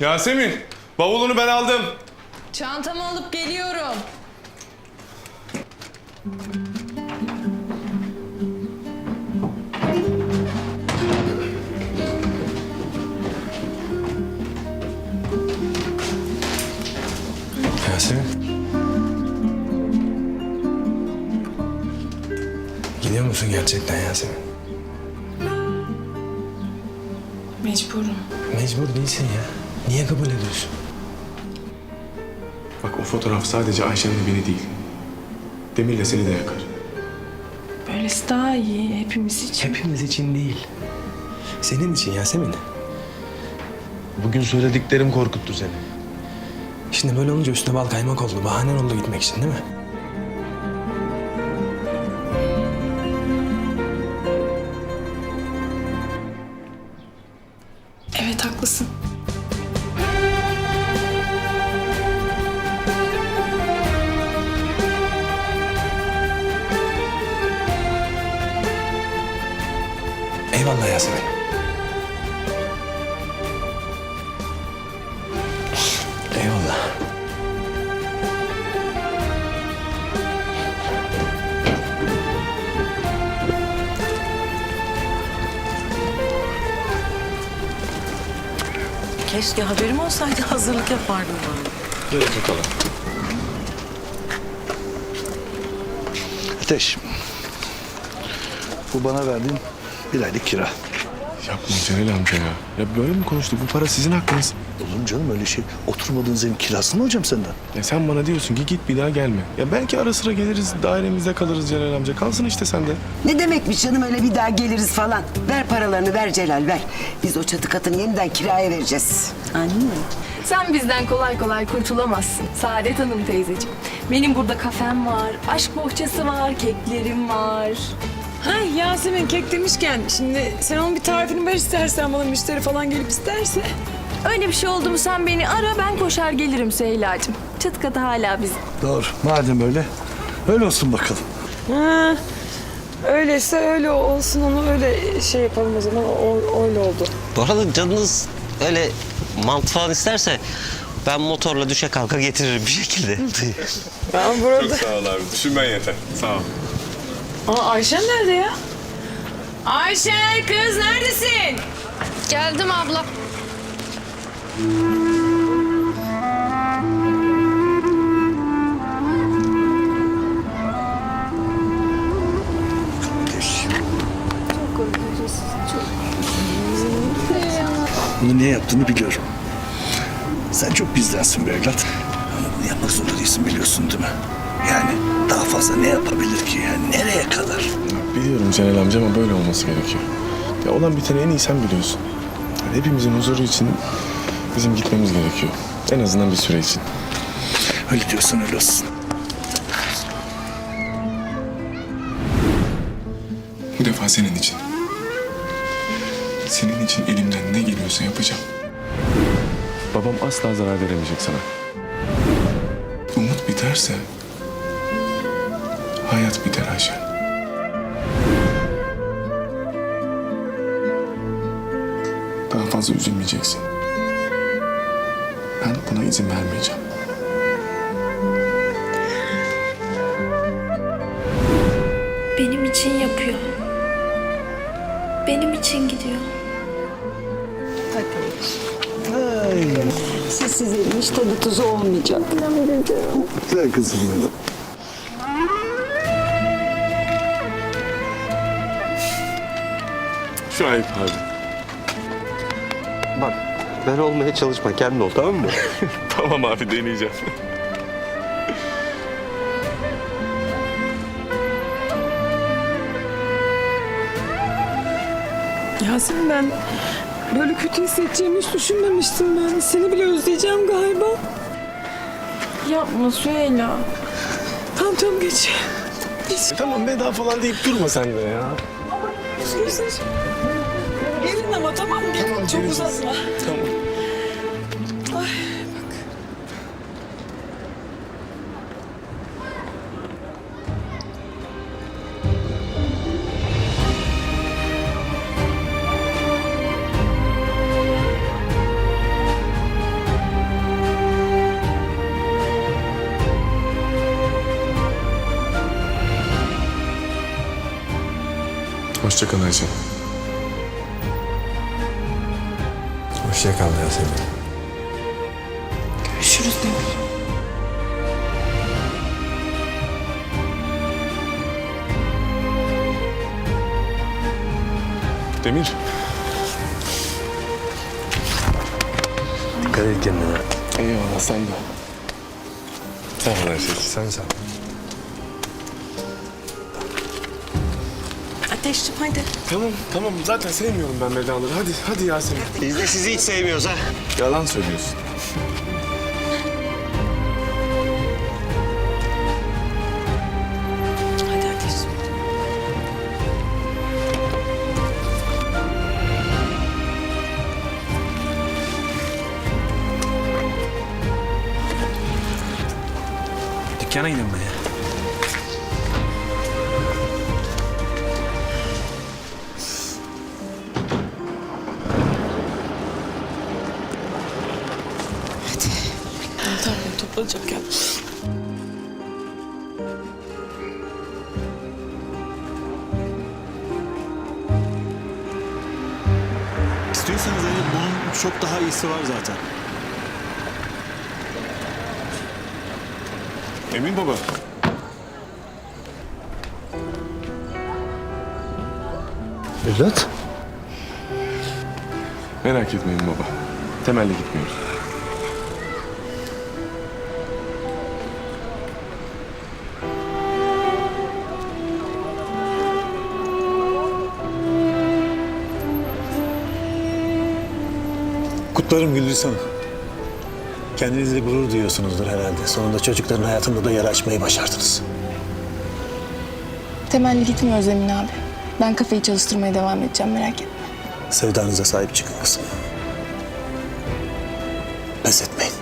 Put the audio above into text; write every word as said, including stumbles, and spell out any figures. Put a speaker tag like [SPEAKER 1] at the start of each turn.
[SPEAKER 1] Yasemin, bavulunu ben aldım.
[SPEAKER 2] Çantamı alıp geliyorum.
[SPEAKER 3] Yasemin. Gidiyor musun gerçekten Yasemin?
[SPEAKER 2] Mecburum.
[SPEAKER 3] Mecbur değilsin ya. Niye kabul ediyorsun?
[SPEAKER 1] Bak o fotoğraf sadece Ayşen'le beni değil. Demir'le seni de yakar.
[SPEAKER 2] Böylesi daha iyi hepimiz için.
[SPEAKER 3] Hepimiz için değil. Senin için Yasemin.
[SPEAKER 1] Bugün söylediklerim korkuttu seni.
[SPEAKER 3] Şimdi böyle olunca üstüne bal kaymak oldu. Bahanen oldu gitmek için değil mi?
[SPEAKER 2] Evet haklısın.
[SPEAKER 3] Eyvallah Yasemin. Eyvallah.
[SPEAKER 4] Keşke haberim olsaydı hazırlık yapardım ben.
[SPEAKER 1] Gel bakalım.
[SPEAKER 5] Ateş. Bu bana verdiğin bir aylık kira.
[SPEAKER 1] Yapma Celal amca ya. Ya böyle mi konuştuk? Bu para sizin hakkınız.
[SPEAKER 5] Olur mu canım öyle şey? Oturmadığınız evin kirasını mı hocam senden?
[SPEAKER 1] Ya sen bana diyorsun ki git bir daha gelme. Ya belki ara sıra geliriz, dairemizde kalırız Celal amca. Kalsın işte sende.
[SPEAKER 6] Ne demekmiş canım öyle bir daha geliriz falan. Ver paralarını ver Celal ver. Biz o çatı katını yeniden kiraya vereceğiz.
[SPEAKER 4] Anne.
[SPEAKER 2] Sen bizden kolay kolay kurtulamazsın Saadet Hanım teyzeciğim. Benim burada kafem var, aşk bohçası var, keklerim var.
[SPEAKER 7] Ha Yasemin kek demişken şimdi sen onun bir tarifini ver istersen bana müşteri falan gelip isterse.
[SPEAKER 2] Öyle bir şey oldu mu sen beni ara, ben koşar gelirim Süheyla'cığım. Çatı katı hala bizim.
[SPEAKER 5] Doğru. Madem öyle, öyle olsun bakalım.
[SPEAKER 7] Ha, öyleyse öyle olsun onu öyle şey yapalım o zaman o, öyle oldu.
[SPEAKER 8] Bu arada canınız öyle mantı falan isterse ben motorla düşe kalka getiririm bir şekilde.
[SPEAKER 7] Ben burada...
[SPEAKER 1] Sağ ol abi. Düşünmen yeter. Sağ ol.
[SPEAKER 7] Aa, Ayşen nerede ya? Ayşe kız neredesin?
[SPEAKER 2] Geldim abla.
[SPEAKER 5] Ateş. Bunu niye yaptığını biliyorum. Sen çok bizdensin be evlat. Ama bunu yapmak zorunda değilsin biliyorsun değil mi? Yani daha fazla ne yapabilir ki yani? Nereye kadar?
[SPEAKER 1] Biliyorum Celal amca ama böyle olması gerekiyor. Ya olan biteni en iyi sen biliyorsun. Yani hepimizin huzuru için bizim gitmemiz gerekiyor. En azından bir süre için.
[SPEAKER 5] Öyle diyorsan öyle olsun.
[SPEAKER 1] Bu defa senin için. Senin için elimden ne geliyorsa yapacağım. Babam asla zarar veremeyecek sana. Umut biterse hayat biter Ayşe. Daha fazla üzülmeyeceksin. Ben buna izin vermeyeceğim.
[SPEAKER 9] Benim için yapıyor. Benim için gidiyor.
[SPEAKER 5] Ay,
[SPEAKER 6] Sizsiz evin hiç tadı tuzu olmayacak.
[SPEAKER 5] güzel kızım benim.
[SPEAKER 1] Şu ayıp abi.
[SPEAKER 8] Bak ben olmaya çalışma kendin ol tamam mı?
[SPEAKER 1] Tamam abi deneyeceğim.
[SPEAKER 7] Yasemin ben böyle kötü hissedeceğimi hiç düşünmemiştim ben. Seni bile özleyeceğim galiba.
[SPEAKER 2] Yapma Süheyla.
[SPEAKER 7] Tamam tamam geç.
[SPEAKER 1] Tamam veda falan deyip durma sen de ya.
[SPEAKER 7] Gelin ama tamam mı? Gelin. Çok uzatma.
[SPEAKER 1] Tamam. Hoşça kal Ayşe.
[SPEAKER 3] Hoşça kal Yasemin.
[SPEAKER 7] Görüşürüz Demir.
[SPEAKER 1] Demir.
[SPEAKER 3] Dikkat et kendine.
[SPEAKER 1] Eyvallah sen de. Sağ ol Ayşe.
[SPEAKER 3] Sen sağ ol.
[SPEAKER 4] Ateşciğim hadi.
[SPEAKER 1] Tamam tamam zaten sevmiyorum ben vedaları. Hadi hadi Yasemin.
[SPEAKER 8] Biz de sizi hiç sevmiyoruz ha.
[SPEAKER 1] Yalan söylüyorsun.
[SPEAKER 4] Hadi Ateşciğim.
[SPEAKER 3] Dükkana gidelim ben ya.
[SPEAKER 7] Tamam toplanacak ya.
[SPEAKER 10] İstiyorsanız evet, bunun çok daha iyisi var zaten.
[SPEAKER 1] Emin baba.
[SPEAKER 5] Evlat.
[SPEAKER 1] Merak etmeyin baba. Temelli gitmiyoruz.
[SPEAKER 10] Kutlarım Güldüz Hanım. Kendinizle gurur duyuyorsunuzdur herhalde. Sonunda çocukların hayatında da yer açmayı başardınız.
[SPEAKER 2] Temelli gitmiyoruz Emin abi. Ben kafayı çalıştırmaya devam edeceğim, merak etme.
[SPEAKER 10] Sevdanıza sahip çıkın kızım. Pes etmeyin.